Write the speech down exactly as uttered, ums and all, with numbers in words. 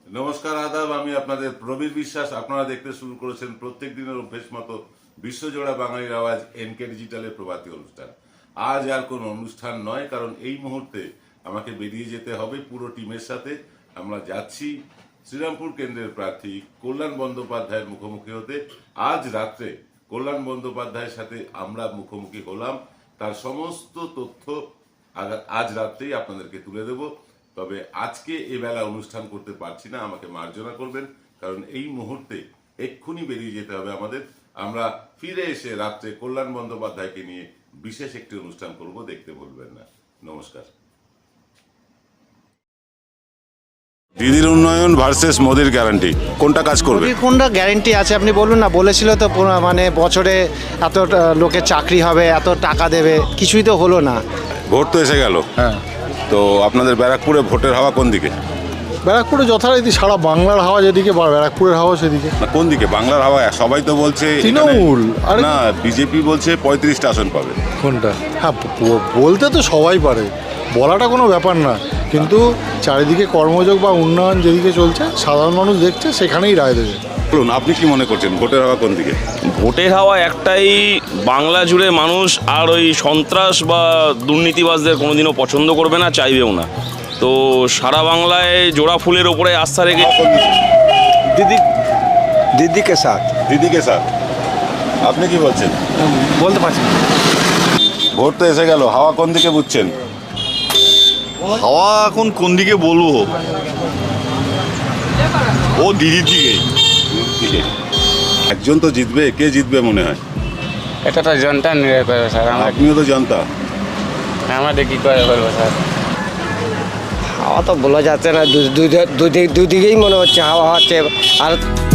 নমস্কার, আদাব। আমি আপনাদের প্রবীর বিশ্বাস। আপনারা দেখতে শুরু করেছেন প্রত্যেক দিনের অভ্যেস মতো বিশ্বজোড়া বাঙালির আওয়াজ এনকে ডিজিটালের প্রভাতী অনুষ্ঠান। আজ আর কোনো অনুষ্ঠান নয়, কারণ এই মুহূর্তে আমাকে বেরিয়ে যেতে হবে পুরো টিমের সাথে। আমরা যাচ্ছি শ্রীরামপুর কেন্দ্রের প্রার্থী কল্যাণ বন্দ্যোপাধ্যায়ের মুখোমুখি হতে। আজ রাত্রে কল্যাণ বন্দ্যোপাধ্যায়ের সাথে আমরা মুখোমুখি হলাম, তার সমস্ত তথ্য আজ রাত্রেই আপনাদেরকে তুলে দেব। তবে আজকে এবেলা অনুষ্ঠান করতে পারছি না, আমাকে মার্জনা করবেন, কারণ এই মুহূর্তে এক্ষুনি বেরিয়ে যেতে হবে আমাদের। আমরা ফিরে এসে রাত্রে কল্যাণ বন্দ্যোপাধ্যায়কে নিয়ে বিশেষ একটি অনুষ্ঠান করব, দেখতে বলবেন না। নমস্কার। দিদির উন্নয়ন ভার্সেস মোদির গ্যারান্টি, কোনটা কাজ করবে? কোনটা গ্যারান্টি আছে আপনি বলুন না। বলেছিল তো মানে বছরে এত লোকের চাকরি হবে, এত টাকা দেবে, কিছুই তো হলো না। ভোট তো এসে গেল। হ্যাঁ, তো আপনাদের ব্যারাকপুরে ভোটের হাওয়া কোন দিকে? ব্যারাকপুরে যথারীতি সারা বাংলার হাওয়া যেদিকে বা ব্যারাকপুরের হাওয়া সেদিকে। না, কোন দিকে? বাংলার হাওয়া সবাই তো বলছে তৃণমূল। আরে না, বিজেপি বলছে পঁয়ত্রিশটা আসন পাবে। কোনটা? হ্যাঁ, ব- বলতে তো সবাই পারে, বলাটা কোনো ব্যাপার না, কিন্তু চারিদিকে কর্মযোগ বা উন্নয়ন যেদিকে চলছে সাধারণ মানুষ দেখছে, সেখানেই রায় দেবে। বলুন, আপনি কি মনে করছেন ভোটের হাওয়া কোন দিকে? ভোটের হাওয়া একটাই, বাংলা জুড়ে মানুষ আর ওই সন্ত্রাস বা দুর্নীতিবাজদের কোনোদিনও পছন্দ করবে না, চাইবেও না। তো সারা বাংলায় জোড়া ফুলের ওপরে আস্থা রেখে दीदी दीदी के साथ দিদিকে স্যার, আপনি কি বলছেন? বলতে পারছি না। ভোট তো এসে গেল, হাওয়া কোন দিকে বুঝছেন? হাওয়া এখন কোন দিকে বলবো, ও দিদির দিকেই। দিকে একজন তো জিতবে, কে জিতবে মনে হয়? এটা তো জনতা নির্ণয় করবে স্যার। আমরা আপনিও তো জানতা। আমাদের কী করে বলবো স্যার? হাওয়া তো বলা যাচ্ছে না, দুদিকেই মনে হচ্ছে হাওয়া হচ্ছে। আর